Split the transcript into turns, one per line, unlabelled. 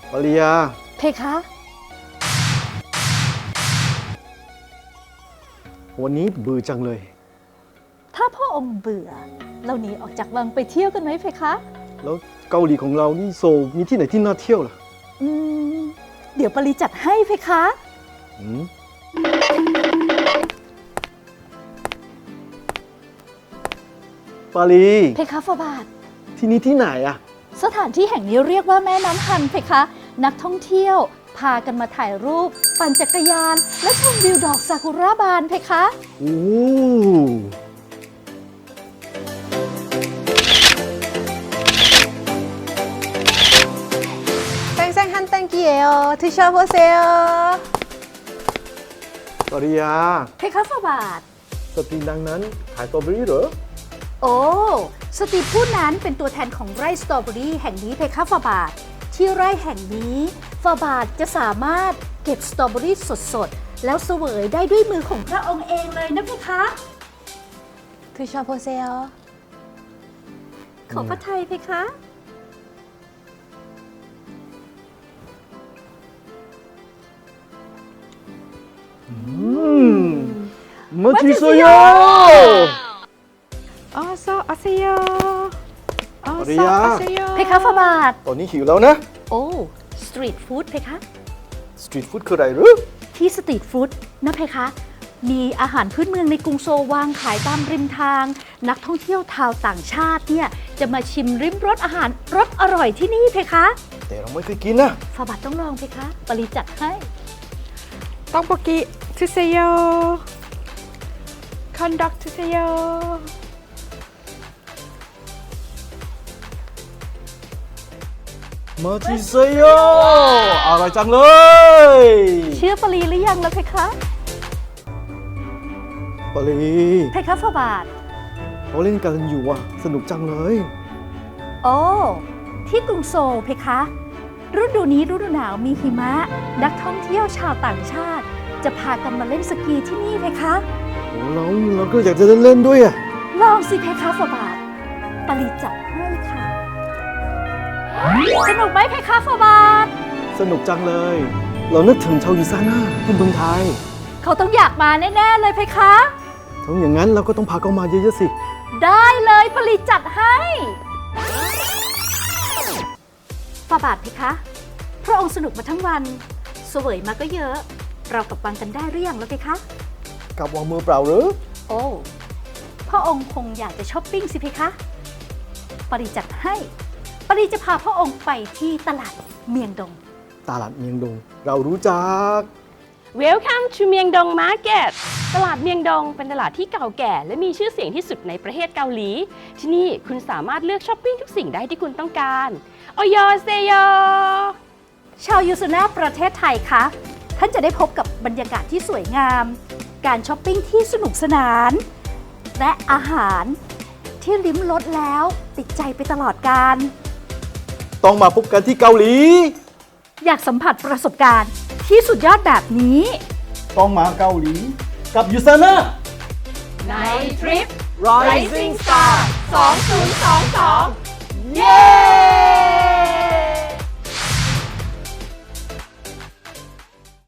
ปริยา
เพคะ
วันนี้เบื่อจังเลย
ถ้าพ่อองค์เบื่อ เราหนีออกจากวังไปเที่ยวกันไหมเพคะ
แล้วเกาหลีของเรานี่โซลมีที่ไหนที่น่าเที่ยวล่ะ
อืม เดี๋ยวปริจัดให้เพคะ
อืมปารี
เพคะฟาบาท
ที่นี่ที่ไหนอะ
สถานที่แห่งนี้เรียกว่าแม่น้ำฮันเพคะ นักท่องเที่ยวพากันมาถ่ายรูป ปั่นจักรยาน และชมวิวดอกซากุระบานเพคะ
โอ้
쌩쌩한 땡기예요. 드셔보세요.
ปริยา
เพคะฟาบาท
สตรีดังนั้นขายสตรอเบอรี่เหรอ
โอ้สตรีทผู้นั้นเป็นตัวแทนของไร่สตรอเบอรี่แห่งนี้เพคะฟาบาท ที่ไร่แห่งนี้ฟาบาทจะสามารถเก็บสตรอเบอรี่สดๆ แล้วเสวยได้ด้วยมือของพระองค์เองเลยนะเพคะ
드셔보세요.
ขอพระไทยเพคะ
맛있어요!
어서 오세요. 어서
어리야.
오세요.
เพคะฟาบาท
ตอนนี้หิวแล้วนะ
โอ้สตรีทฟู้ดเพคะ
สตรีทฟู้ดคืออะไรหรือ
ที่สตรีทฟู้ดนะเพคะ มีอาหารพื้นเมืองในกรุงโซลวางขายตามริมทาง นักท่องเที่ยวชาวต่างชาติเนี่ยจะมาชิมริมรสอาหารรสอร่อยที่นี่เพคะ
แต่เราไม่เคยกินนะ
ฟาบาทต้องลองเพคะ ปริจัดให้
떡볶이 드세요. 건덕 드세요.
맛있어요! อร่อยจังเลย
เชื่อปรีหรือยังแล้วเพคะ
ปารี
เพคะฟาบาท
เขาเล่นกันอยู่อ่ะ สนุกจังเลย
โอ้ ที่กรุงโซลเพคะ ฤดูนี้ฤดูหนาวมีหิมะ นักท่องเที่ยวชาวต่างชาติ จะพากันมาเล่นสกีที่นี่เพคะ
โอ้เราก็อยากจะเล่นด้วยอ่ะ
ลองสิเพคะฟาบาท ปริจัดให้ค่ะ สนุกไหมเพคะฟาบาท
สนุกจังเลย เรานึกถึงชาวยูซาน่าที่เมืองไทย
เขาต้องอยากมาแน่ๆเลยเพคะ
ถ้าอย่างนั้นเราก็ต้องพาเขามาเยอะๆสิ
ได้เลยปริจัดให้ฟาบาทเพคะ พระองค์สนุกมาทั้งวันเสวยมาก็เยอะ เรากลับวังกันได้หรือยังแล้วเพคะ
กลับวางมือเปล่าหรือ
โอ้ พระองค์คงอยากจะช้อปปิ้งสิเพคะ ปริจัดให้ ปริจะพาพระองค์ไปที่ตลาดเมียงดง
ตลาดเมียงดง เรารู้จัก
Welcome to เมียงดง Market ตลาดเมียงดงเป็นตลาดที่เก่าแก่ และมีชื่อเสียงที่สุดในประเทศเกาหลี ที่นี่คุณสามารถเลือกช้อปปิ้งทุกสิ่งได้ที่คุณต้องการโอยเซโย
ชาวยูซูน่าประเทศไทยคะ ท่านจะได้พบกับบรรยากาศที่สวยงาม การช้อปปิ้งที่สนุกสนาน และอาหารที่ลิ้มรสแล้วติดใจไปตลอดกาล
ต้องมาพบกันที่เกาหลี
อยากสัมผัสประสบการณ์ที่สุดยอดแบบนี้
ต้องมาเกาหลี กับยูซาน่า
ในทริป
Rising
Star 2022 เย้